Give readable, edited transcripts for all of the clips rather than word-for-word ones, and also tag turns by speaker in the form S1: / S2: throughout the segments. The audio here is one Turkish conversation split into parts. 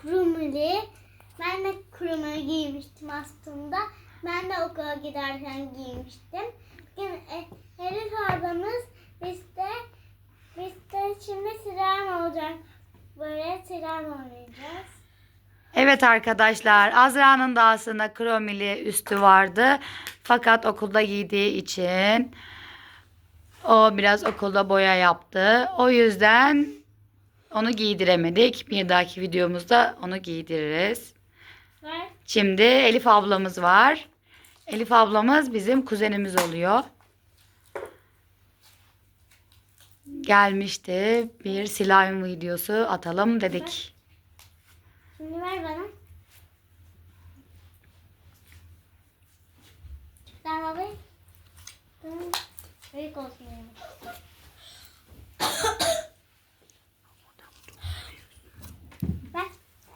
S1: krumeli. Ben de krumeli giymiştim aslında. Ben de okula giderken giymiştim. Bugün Elif ablamız bizde şimdi slime olacak. Böyle slime oynayacağız.
S2: Evet arkadaşlar, Azra'nın da aslında kromili üstü vardı. Fakat okulda giydiği için o biraz okulda boya yaptı. O yüzden onu giydiremedik. Bir dahaki videomuzda onu giydiririz.
S1: Var.
S2: Şimdi Elif ablamız var. Elif ablamız bizim kuzenimiz oluyor. Gelmişti. Bir slime videosu atalım dedik.
S1: Şimdi ver bana. Sen alayım. Büyük olsun yani. Ver.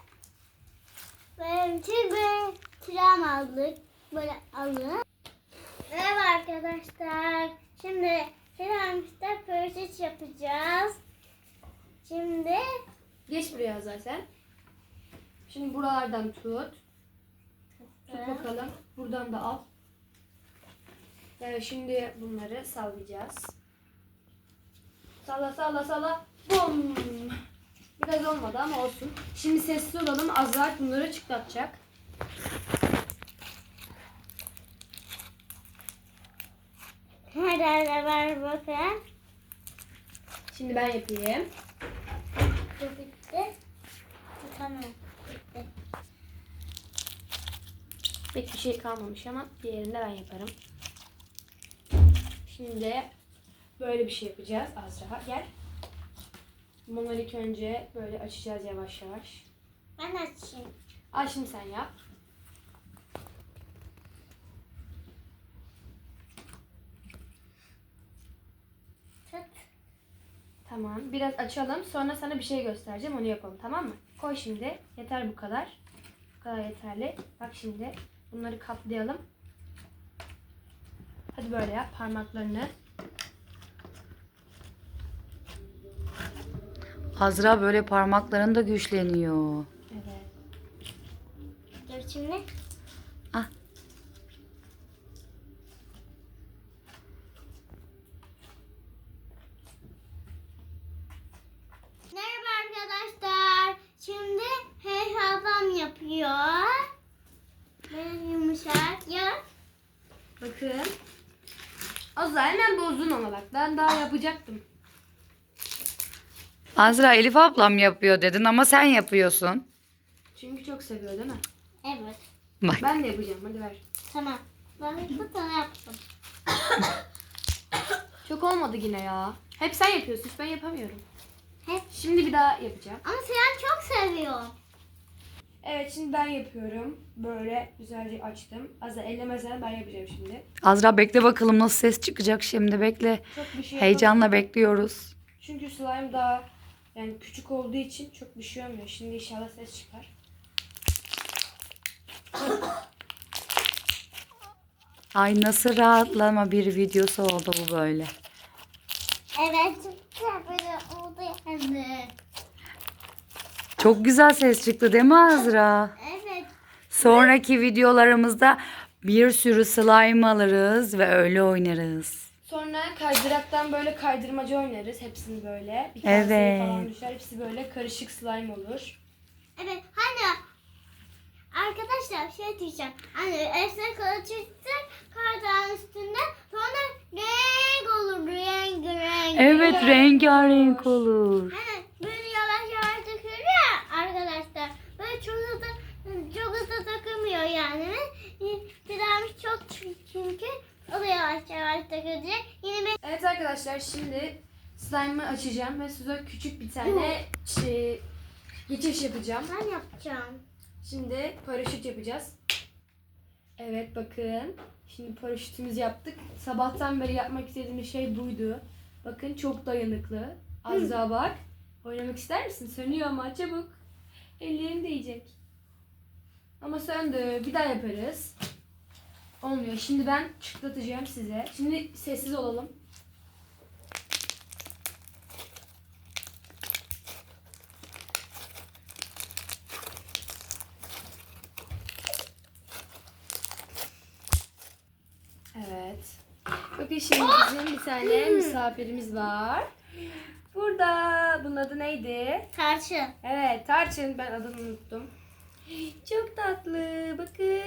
S1: Böyle tram aldık. Böyle alın. Merhaba arkadaşlar. Şimdi tramda pörçüç yapacağız. Şimdi
S3: Geç buraya zaten. Şimdi buralardan tut. Tut bakalım. Buradan da al. Evet, şimdi bunları sallayacağız. Salla salla salla. Bum. Biraz olmadı ama olsun. Şimdi sessiz olalım. Azar bunları çıtlatacak.
S1: herhalde ver bakın.
S3: Şimdi ben yapayım.
S1: Bu bitti. Tamam. Bitti.
S3: Pek bir şey kalmamış ama diğerini de ben yaparım. Şimdi böyle bir şey yapacağız. Azra gel. Bunları ilk önce böyle açacağız yavaş yavaş.
S1: Ben açayım.
S3: Al şimdi sen yap.
S1: Tut.
S3: Tamam. Biraz açalım. Sonra sana bir şey göstereceğim. Onu yapalım. Tamam mı? Koy şimdi. Yeter bu kadar. Bu kadar yeterli. Bak şimdi. Bunları katlayalım. Hadi böyle yap. Parmaklarını.
S2: Azra böyle parmakların da güçleniyor.
S3: Evet.
S1: Dur şimdi.
S2: Ah.
S1: Merhaba arkadaşlar. Şimdi hesabım yapıyor. Böyle yumuşak ya.
S3: Bakın. Azra hemen bozdun ama bak. Ben daha yapacaktım.
S2: Azra Elif ablam yapıyor dedin ama sen yapıyorsun.
S3: Çünkü çok seviyor değil mi?
S1: Evet.
S2: Bak.
S3: Ben de yapacağım. Hadi ver.
S1: Tamam. Ben bu tane yaptım.
S3: Çok olmadı yine ya. Hep sen yapıyorsun. Hiç ben yapamıyorum.
S1: Hep.
S3: Şimdi bir daha yapacağım.
S1: Ama sen çok seviyor.
S3: Evet, şimdi ben yapıyorum. Böyle güzelce açtım. Azra ellemezsen ben yapacağım şimdi.
S2: Azra bekle bakalım nasıl ses çıkacak şimdi bekle.
S3: Çok bir şey
S2: Heyecanla bekliyoruz.
S3: Çünkü slime daha yani küçük olduğu için çok bir şey olmuyor. Şimdi inşallah ses çıkar.
S2: Ay nasıl rahatlama bir videosu oldu bu böyle.
S1: Evet. Çok böyle oldu yani.
S2: Çok güzel ses çıktı değil mi Azra?
S1: Evet.
S2: Sonraki videolarımızda bir sürü slime alırız ve öyle oynarız.
S3: Sonra kaydıraktan böyle kaydırmaca oynarız. Hepsini böyle. Bir
S2: Evet.
S3: kaseye falan düşer. Hepsi böyle karışık slime olur.
S1: Evet. Hani arkadaşlar şey diyeceğim. Hani esnek ölçüsün kardağın üstünde sonra renk olur. Renk.
S2: Evet rengarenk olur.
S1: Hani böyle yavaş yavaş dökülüyor ya arkadaşlar. Böyle çok hızlı takılmıyor yani. Silahımız çok çünkü o da yavaş yavaş dökülecek. Yine ben
S3: Evet arkadaşlar, şimdi slime'ı açacağım ve size küçük bir tane geçiş yapacağım.
S1: yapacağım.
S3: Şimdi paraşüt yapacağız. Evet bakın. Şimdi paraşütümüzü yaptık. Sabahtan beri yapmak istediğimiz şey buydu. Bakın çok dayanıklı. Az daha bak. Oynamak ister misin? Sönüyor ama çabuk. Ellerin değecek. Ama söndü. Bir daha yaparız. Olmuyor. Şimdi ben çıtlatacağım size. Şimdi sessiz olalım. şimdi bizim bir tane misafirimiz var. Burada. Bunun adı neydi?
S1: Tarçın.
S3: Evet, Tarçın. Ben adını unuttum. Çok tatlı. Bakın.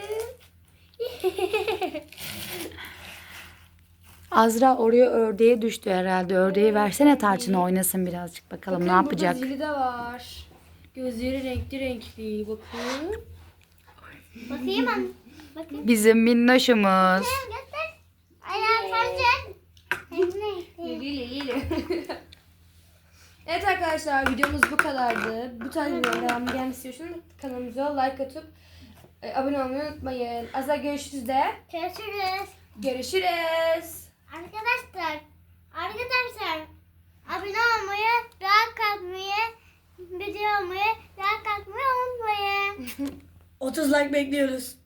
S2: Azra oraya ördeğe düştü herhalde. Ördeği versene Tarçın'a oynasın birazcık bakalım
S3: Bakın,
S2: ne yapacak.
S3: Burada zili de var. Gözleri renkli renkli. Bakın.
S1: Bakayım anne. Bakayım.
S2: Bizim minnoşumuz.
S1: Göster. Ayağı tarçın.
S3: Lili lili. Evet arkadaşlar, videomuz bu kadardı. Bu tarz videoların devamı gelmesi için kanalımıza like atıp abone olmayı unutmayın. Azra görüşürüz de.
S1: Görüşürüz.
S3: Görüşürüz.
S1: Arkadaşlar abone olmayı, like atmayı, video olmayı, like atmayı unutmayın.
S4: 30 like bekliyoruz.